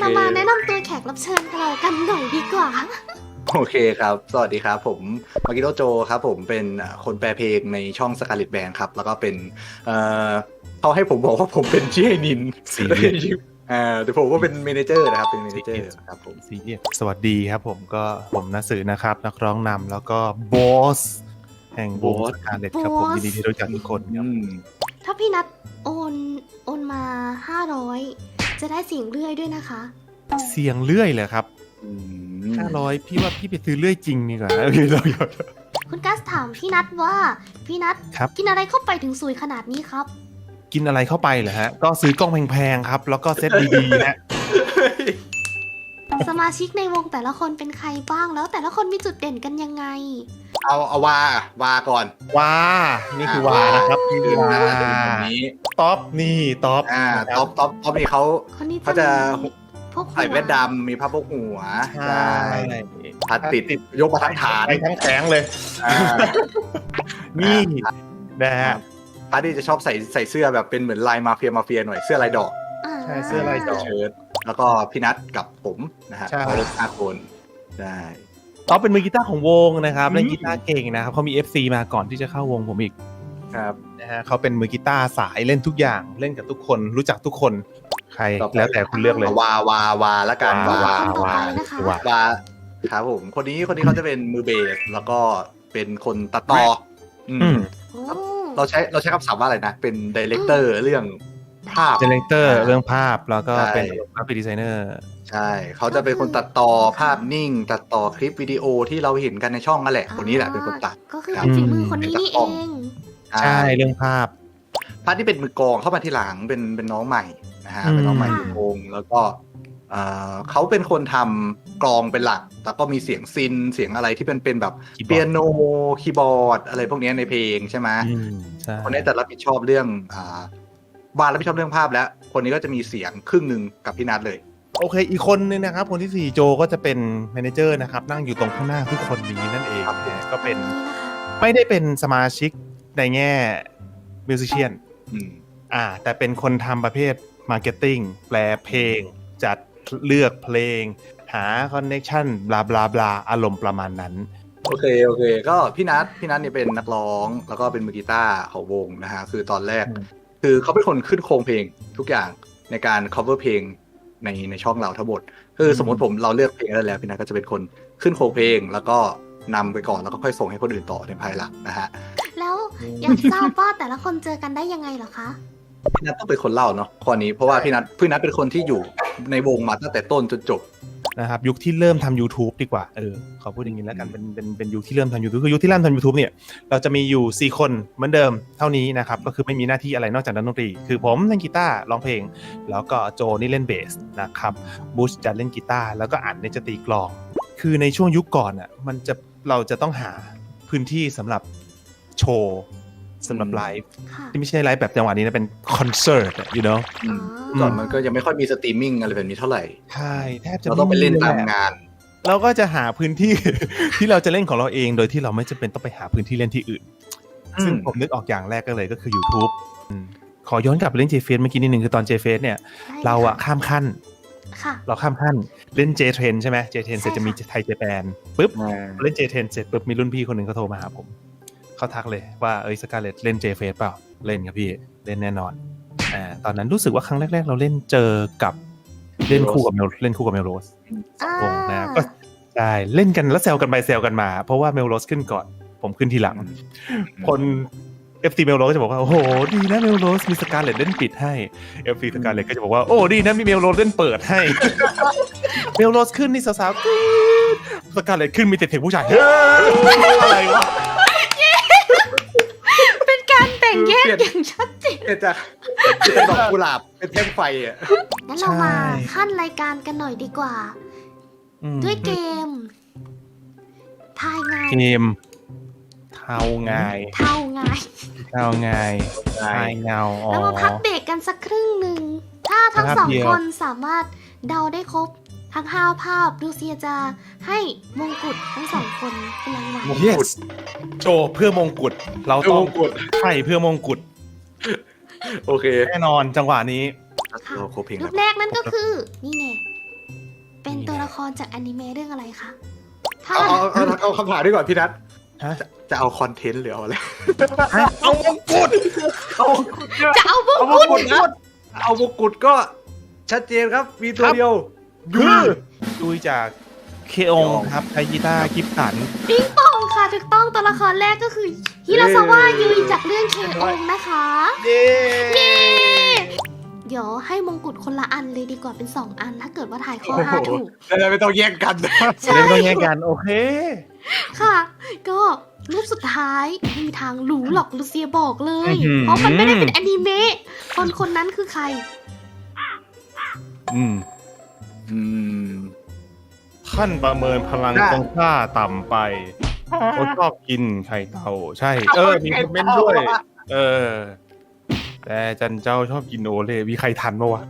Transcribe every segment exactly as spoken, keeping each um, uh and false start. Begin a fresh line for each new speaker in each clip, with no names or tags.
มาแนะนำตัวแขกรับเชิญของเรากันหน่อยดีกว่า
โอเคครับสวัสดีครับผมมากิโตโจครับผมเป็นคนแปลเพลงในช่อง Scarlet Band ครับแล้วก็เป็นเอ่อเขาให้ผมบอกว่าผมเป็นชื่อนินสีอ่าแต่ผมก็เป็นเมเนเจอร์นะครับเป็นเมเนเจอร์ครับผม
สีสวัสดีครับผมก็ผมนัสือนะครับนักร้องนำแล้วก็บอสแห่งวง Scarlet ครับผมยินดีที่รู้จักทุกคนครับ
ถ้าพี่นัทโอนโอนมาห้าร้อยจะได้เสียงเลื่อยด้วยนะคะ
เสียงเลื่อยเลยครับห้าร้อยพี่ว่าพี่ไปซื้อเลื่อยจริงดีกว่าพี่เราอยาก
คุณกัสถามพี่นัทว่าพี่นัทกินอะไรเข้าไปถึงสวยขนาดนี้ครับ
กินอะไรเข้าไปเหรอฮะก็ซื้อกล้องแพงๆครับแล้วก็เซ็ตดีๆนะ
สมาชิกในวงแต่ละคนเป็นใครบ้างแล้วแต่ละคนมีจุดเด่นกันยังไง
เอาเอาวาวาก่อน
วานี่คือวานะครับ
นี่คือวาคนนี้
ท็อปนี่ท็อป
อ่าท็อปท็อปท็อปนี่เขาเขาจะใส่แว่นดำมีผ้าโพกหัว
ใช่
พัดติดยกมาทั้งฐาน
ไปทั้งแขงเลยนี่นะฮะ
พัดที่จะชอบใส่ใส่เสื้อแบบเป็นเหมือนลายมาเฟียมาเฟียหน่อยเสื้อลายดอก
ใช่เสื้อลายดอก
เชิ้ตแล้วก็พี่นัทกับผมนะฮะเขาเล่นห้าคนได้
ท็อปเป็นมือกีตาร์ของวงนะครับเล่นกีตาร์เก่งนะครับเขามี เอฟ ซี มาก่อนที่จะเข้าวงผมอีก
ครับ
นะฮะเขาเป็นมือกีตาร์สายเล่นทุกอย่างเล่นกับทุกคนรู้จักทุกคนใครแล้วแต่คุณเลือกเลยว
าวาวาละกัน
วาวาวาว
าครับผมคนนี้คนนี้เขาจะเป็นมือเบสแล้วก็เป็นคนตัดต่อเราใช้เราใช้คำศัพท์ว่าอะไรนะเป็นดีเลกเตอร์เรื่องภาพ
ดีเลกเตอร์เรื่องภาพแล้วก็เป็นกราฟิกดีไซเนอร์
ใช่เขาจะเป็นคนตัดต่อภาพนิ่งตัดต่อคลิปวิดีโอที่เราเห็นกันในช่องนั่นแหละคนนี้แหละเป็นคนตัด
ก็คือเป็นฝีมือคนนี้นี่เอง
ใช่เรื่องภาพ
ภาพที่เป็นมือกลองเข้ามาทีหลังเป็นเป็นน้องใหม่นะฮะเป็นน้องใหม่ในวงแล้วก็เขาเป็นคนทำกลองเป็นหลักแต่ก็มีเสียงซินเสียงอะไรที่เป็นเป็นแบบเปียโนคีย์บอร์ดอะไรพวกนี้ในเพลงใช่ไหมคนนี้จะรับผิดชอบเรื่องวานรับผิดชอบเรื่องภาพแล้วคนนี้ก็จะมีเสียงครึ่งหนึ่งกับพี่นัทเลย
โอเคอีกคนนึงนะครับคนที่สี่โจก็จะเป็นแมเนเจอร์นะครับนั่งอยู่ตรงข้างหน้าทุกคนนี้นั่นเองก็เป็นไม่ได้เป็นสมาชิกในแง่มิวสิชเชียนอ่าแต่เป็นคนทำประเภทมาร์เก็ตติ้งแปลเพลงจัดเลือกเพลงหาคอนเนคชั่นบลาบลาบลาอารมณ์ประมาณนั้น
โอเคโอเคก็พี่นัทพี่นัทเนี่ยเป็นนักร้องแล้วก็เป็นมือกีตาร์ของวงนะฮะคือตอนแรกคือเขาเป็นคนขึ้นโครงเพลงทุกอย่างในการ cover เพลงในในช่องเราทั้งหมดคือสมมติผมเราเลือกเพลงได้แล้วพี่นัทก็จะเป็นคนขึ้นโครงเพลงแล้วก็นำไปก่อนแล้วก็ค่อยส่งให้คนอื่นต่อในภายหลังนะฮะ
แล้วอยากทราบว่าแต่ละคนเจอกันได้ยังไงเหรอคะ
พี่นัทต้องเป็นคนเล่าเนาะข้อนี้เพราะว่าพี่นัทพี่นัทเป็นคนที่อยู่ในวงมาตั้งแต่ต้นจนจบ
นะครับยุคที่เริ่มทำ YouTube ดีกว่าเออขอพูดอย่างนี้แล้วกันเป็นเป็นเป็นยุคที่เริ่มทำ YouTube คือยุคที่เริ่มทำ YouTube เนี่ยเราจะมีอยู่สี่คนเหมือนเดิมเท่านี้นะครับก็คือไม่มีหน้าที่อะไรนอกจากดนตรีคือผมเล่นกีตาร์ร้องเพลงแล้วก็โจนี่เล่นเบสนะครับบูชจะเล่นกีตาร์แล้วก็อั๋นเนี่ยจะตีกลองคือในช่วงยุคก่อนอ่ะมันจะเราจะต้องหาพื้นที่สำหรับโชว์สำหรับไลฟ์ที่ไม่ใช่ไลฟ์แบบจังหวะนี้นะเป็นคอนเสิร์ตอ่ะ you know
ก่อนมันก็ยังไม่ค่อยมีสตรีมมิ่งอะไรแบบนี้เท่าไหร่
ใช่แทบจะ
เราต้องไปเล่นตามงาน
เราก็จะหาพื้นที่ ที่เราจะเล่นของเราเองโดยที่เราไม่จำเป็นต้องไปหาพื้นที่เล่นที่อื่นซึ่งผมนึกออกอย่างแรกก็เลยก็คือ YouTube ขอย้อนกลับไปเล่น J-Face เมื่อกี้นิดนึงคือตอน J-Face เนี่ยเราอะข้ามขั้นเราข้ามขั้นเล่น J-Trend ใช่ไหม J-Trend เสร็จจะมีไทย Japan ปุ๊บเล่น J-Trend เสร็จปุ๊บมีรุ่นพี่คนหนึ่งเขาโทรมาหาผมเขาทักเลยว่าเอ้ย Scarlet เล่น J-Face เปล่าเล่นครับพี่เล่นแน่นอนอ่าตอนนั้นรู้สึกว่าครั้งแรกๆเราเล่นเจอกับเล่นคู่กับเมลเล่นคู่กับเมลโรสวงนะก็ใช่เล่นกันแล้วแซวกันไปแซวกันมาเพราะว่าเมลโรสขึ้นก่อนผมขึ้นทีหลังคน เอฟ ซี เมลโรสก็จะบอกว่าโอ้โหดีนะเมลโรสมี Scarlet เล่นปิดให้ เอฟ ซี Scarlet ก็จะบอกว่าโอ้ดีนะมีเมลโรสเล่นเปิดให้เมลโรสขึ้นนี่สาวๆ Scarlet ขึ้นมีแต่เสียงผู้ชายอะไรวะ
เป็นการแบ่งแยกอย่างชัดเจน
จากเป็นดอกกุหลาบเป็นแท่งไฟอ่ะ
งั้นเรามาขั้นรายการกันหน่อยดีกว่าด้วยเกมทายไง
เกมเท่าไง
เท่าไง
เท่าไงทายเงา
แล้วมาพักเบรกกันสักครึ่งหนึ่งถ้าทั้งสองคนสามารถเดาได้ครบทั้งห้าภาพลูเซียจะให้มงกุฎทั้งสองคนเป็นรางวัล
yes โชว์เพื่อมงกุฎเราต้องใช่เพื่อมงกุฎ
โอเค
แน่นอนจังหวะนี้
รูปแรกนั่นก็คือนี่แน่ตัวละครจากอนิเมะเรื่องอะไรคะถ้า
เอาเอาเอาเอาคำถามดีกว่าพี่นัท
ฮะ
จะจะเอาคอนเทนต์หรือเอาอะไร
เอามงกุฎ
เอา
จะเอาบุก
เอามงกุฎนะเอามงกุฎก็ชัดเจนครับ มีตัวเดียว
คือดูจากเคองครับไทยิต้ากิฟสัน
ปิงปองค่ะถูกต้องตัวละครแรกก็คือฮิราซาวะยุยจากเรื่องเคองนะคะ
เย้
เย้เดี๋ยวให้มงกุฎคนละอันเลยดีกว่าเป็นสองอันถ้าเกิดว่าถ่ายข้อห้าถูก
แล้วไม่ต้องแย่งกัน
ใช่
เล่นต้องแย่งกันโอเค
ค่ะ ก็รูปสุดท้ายไม่มีทางรู้หรอกลูเซียบอกเลย
อื้อหือ
เพราะมันไม่ได้เป็นอนิเมะคนคนนั้นคือใคร
อืม
อืม
ท่านประเมินพลัง
ได้
ของข้าต่ำไปเขาชอบกินไข่เต่าใช่ เออ มีคอมเมนต์ด้วย เออ แต่จันเจ้าชอบกินโอเลมีใครทันปะวะ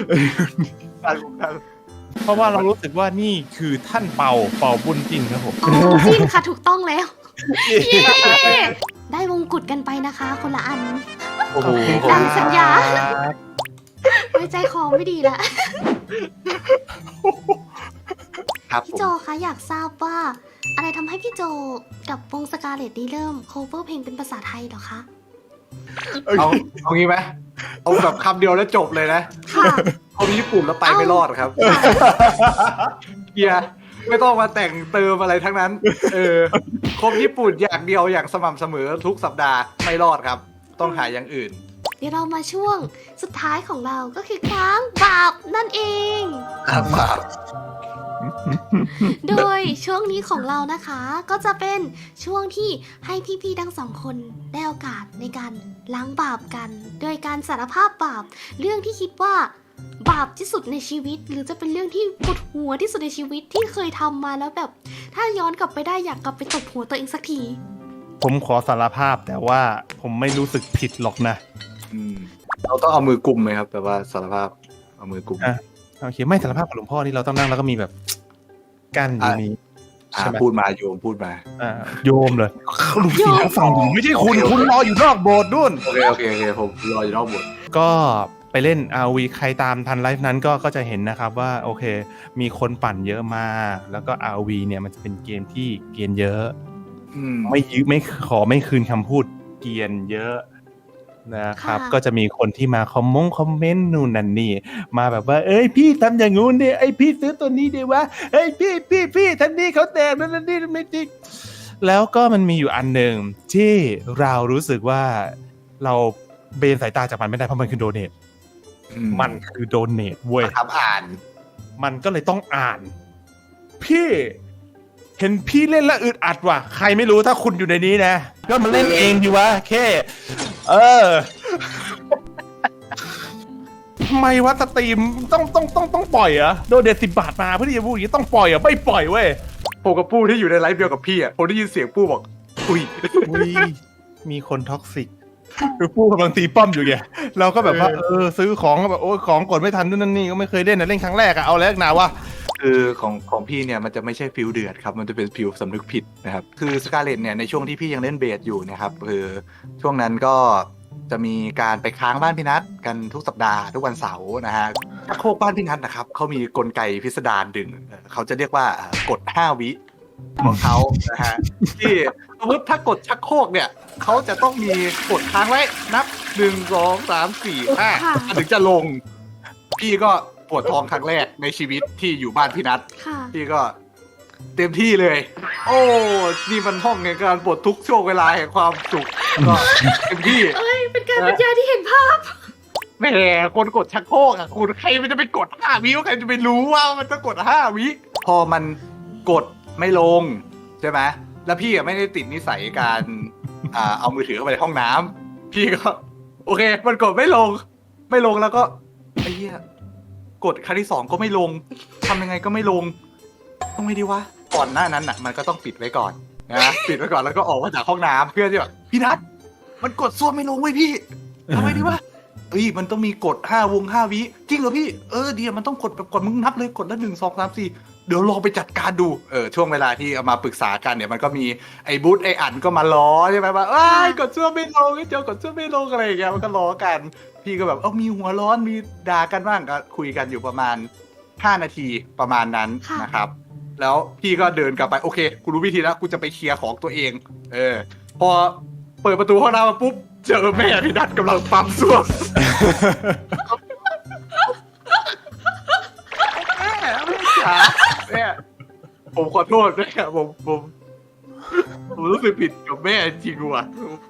เพราะว่าเรารู้สึกว่านี่คือท่านเป่าเป่าบุญจริงครับผม
โอ้จริงค่ะถูกต้องแล้ว เย้ได้มงกุฎกันไปนะคะ คนละอัน
โอ้โห
ดังสัญญา ไว้ใจคอไม่ดีละ
ครับ
พี่
ผม
โจคะอยากทราบว่า อะไรทำให้พี่โจกับวงสกาเลตนี้เริ่ม cover เพลงเป็นภาษาไทยเหรอคะ
เอาเอางี้ไหมเอาแบบคำเดียวแล้วจบเลยนะ
ค่ะ
เอาญี่ปุ่นแล้วไปไม่รอดครับ
ค่ะ
เฮียไม่ต้องมาแต่งเติมอะไรทั้งนั้น เออคมญี่ปุ่นอย่างเดียวอย่างสม่ำเสมอทุกสัปดาห์ไม่รอดครับ ต้องหาอย่างอื่น
เดี๋ยวเรามาช่วงสุดท้ายของเราก็คือค้างบาปนั่นเอง
ครับ
โดยช่วงนี้ของเรานะคะก็จะเป็นช่วงที่ให้พี่ๆทั้งสองคนได้โอกาสในการล้างบาปกัน โดยการสารภาพบาปเรื่องที่คิดว่าบาปที่สุดในชีวิต หรือจะเป็นเรื่องที่ปวดหัวที่สุดในชีวิตที่เคยทำมาแล้วแบบ ถ้าย้อนกลับไปได้อยากกลับไปตบหัวตัวเองสักที
ผมขอสารภาพแต่ว่าผมไม่รู้สึกผิดหรอกนะ
อืมเราต้องเอามือกุมไหมครับแบบว่าสารภาพเอามือกุม
อ่ะ โอเคไม่สารภาพกับหลวงพ่อนี่เราต้องนั่งแล้วก็มีแบบกั้นอยู่นี้
อ่า
ใช่ไหม
พูดมาโยมพูดมา
อ่าโยมเลยลูกศิษย์ฝั่งผมไม่ใช่คุณคุณรออยู่นอกโบสถ์นู่น
โอเคโอเคโอเคผมรออยู่นอกบท
ก็ไปเล่น อาร์ วี ใครตามทันไลฟ์นั้นก็ก็จะเห็นนะครับว่าโอเค มีคนปั่นเยอะมาก แล้วก็ อาร์ วี เนี่ยมันจะเป็นเกมที่เกรียนเยอะ
อืม
ไม่ยืไม่ขอไม่คืนคำพูดเกรียนเยอะนะครับ
ค่ะ
ก็จะมีคนที่มาคอมมงคอมเมนต์นู่นนั่นนี่มาแบบว่า เอ้ยพี่ทำอย่างงู้นดิไอยพี่ซื้อตัวนี้ดิวะเอ้ยพี่พี่พี่ท่านนี้เขาแตกนั่นนั่นนี่ไม่จริงแล้วก็มันมีอยู่อันหนึ่งที่เรารู้สึกว่าเราเบนสายตาจากมันไม่ได้เพราะมันคือโดเนท
อื
มันคือโดเนทเว้ย
ครับอ่าน
มันก็เลยต้องอ่าน พี่เห็นพี่เล่นแล้วอึดอัดว่ะใครไม่รู้ถ้าคุณอยู่ในนี้นะก็มาเล่นเองดีวะแค่เออทำไมวะสตรีมต้องต้องต้องต้องปล่อยเหรอโดนเด็ดสิบบาทมาเพื่อที่จะพูดอย่างนี้ต้องปล่อยเหรอไม่ปล่อยเว้ย
ผมกับปู้ที่อยู่ในไลฟ์เดียวกับพี่อ่ะผมได้ยินเสียงปู้บอกอุ้ย
อุ้ยมีคนท็อกซิกคือผู้กำลังตีป้อมอยู่ไงเราก็แบบว่าเออซื้อของก็แบบโอ้ยของกดไม่ทันนู่นนั่นนี่ก็ไม่เคยเล่นนะเล่นครั้งแรกอะเอาแล้วนะวะ
คือของของพี่เนี่ยมันจะไม่ใช่ฟิลเดือดครับมันจะเป็นฟิลสำนึกผิดนะครับคือสกาเลตเนี่ยในช่วงที่พี่ยังเล่นเบสอยู่นะครับคือช่วงนั้นก็จะมีการไปค้างบ้านพี่นัทกันทุกสัปดาห์ทุกวันเสาร์นะฮะชักโครกบ้านพี่นัทนะครับเขามีกลไกพิสดารดึงเอ่อเขาจะเรียกว่ากดห้าวิของเขานะฮะที่สมมติถ้ากดชักโครกเนี่ยเขาจะต้องมีกดค้างไว้นับหนึ่งสองสามสี่ห้า
ค่ะ
ถึงจะลงพี่ก็ปวดท้องครั้งแรกในชีวิตที่อยู่บ้านพี่นัท
ค่ะ
พี่ก็เต็มที่เลย โอ้ นี่มันห้องในการปลดทุกช่วงเวลาแห่งความสุข ก็เต็มที่
เอ้ยเป็นการบรรยายที่เห็นภาพ
แหมคนกดชักโครกอ่ะคุณใครมันจะไปกดห้าวิวใครจะไปรู้ว่ามันจะกดห้าวิ พอมันกดไม่ลงใช่ไหมแล้วพี่อ่ะไม่ได้ติดนิสัยการอ่าเอามือถือเข้าไปในห้องน้ำพี่ก็ โอเค มันกดไม่ลง ไม่ลงแล้วก็ไอ้เหี้ยกดครั้งที่สองก็ไม่ลงทำยังไงก็ไม่ลงต้องไม่ดีวะก่อนหน้านั้นน่ะ มันก็ต้องปิดไว้ก่อนนะปิดไว้ก่อนแล้วก็ออกมาจากห้องน้ำเพื่อที่แบบพี่นัทมันกดซ่วมไม่ลงเว้ยพี่ทำไมดีวะเอ้ยมันต้องมีกดห้าวงห้าวิจริงเหรอพี่เออเดี๋ยวมันต้องกดแบบกดมึงนับเลยกดละหนึ่งสองสามสี่เดี๋ยวลองไปจัดการดูเออช่วงเวลาที่เอามาปรึกษากันเนี่ยมันก็มีไอ้บูธไอ้อันก็มาล้อใช่ไหมว่าเอ้ยกดซ่วมไม่ลงไอ้เจ้ากดซ่วมไม่ลงอะไรอย่างเงี้ยมันก็ล้อกันพี่ก็แบบเออมีหัวร้อนมีด่ากันบ้างก็คุยกันอยู่ประมาณห้านาทีประมาณนั้น
ค่ะ
นะครับ แล้วพี่ก็เดินกลับไปโอเคกูรู้วิธีแล้วกูจะไปเคลียร์ของตัวเอง เออ พอเปิดประตูห้องน้ำมาปุ๊บเจอแม่พี่นัทกำลังปั๊มส้วมแม่แม่จ๋าแม่ผมขอโทษแม่ผมผมผมรู้สึกผิดกับแม่จริงว่ะ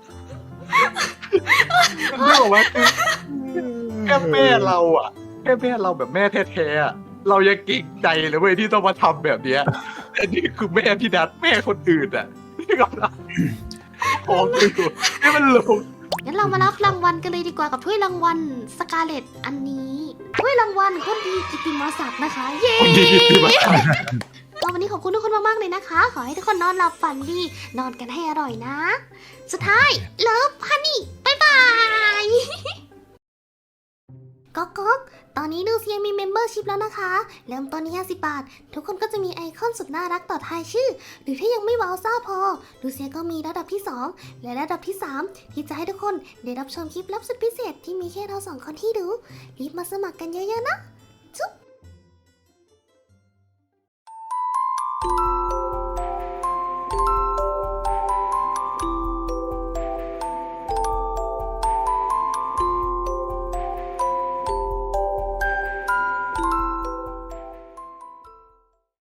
มันไม่บอกว่าคือแค่แม่เราอ่ะแค่แม่เราแบบแม่แท้ๆอะเรายังเก่งใจเลยเว้ยที่ต้องมาทำแบบเนี้ยแต่นี่คือแม่พี่นัทแม่คนอื่นอ่ะที่กำลังของอยู่นี่มันลง
งั้นเรามารับรางวัลกันเลยดีกว่ากับถ้วยรางวัลสกาเลตอันนี้ถ้วยรางวัลคนดีกิตติมศักดิ์นะคะ เย้
คนดีกิตติมศักดิ์
ก็วันนี้ขอบคุณทุกคนมากๆเลยนะคะ ขอให้ทุกคนนอนหลับฝันดีนอนกันให้อร่อยนะ สุดท้ายเลิฟฮันนี่บ๊ายบายก๊อกก๊อกตอนนี้ดูเซียมีเมมเบอร์ชิพแล้วนะคะ เริ่มต้นที่ห้าสิบบาท ทุกคนก็จะมีไอคอนสุดน่ารักต่อท้ายชื่อ หรือถ้ายังไม่ว้าวซ่าพอ ดูเซียก็มีระดับที่สองและระดับที่สามที่จะให้ทุกคนได้รับชมคลิปลับสุดพิเศษที่มีแค่เราสองคนที่ดู รีบมาสมัครกันเยอะๆนะ จุ๊บ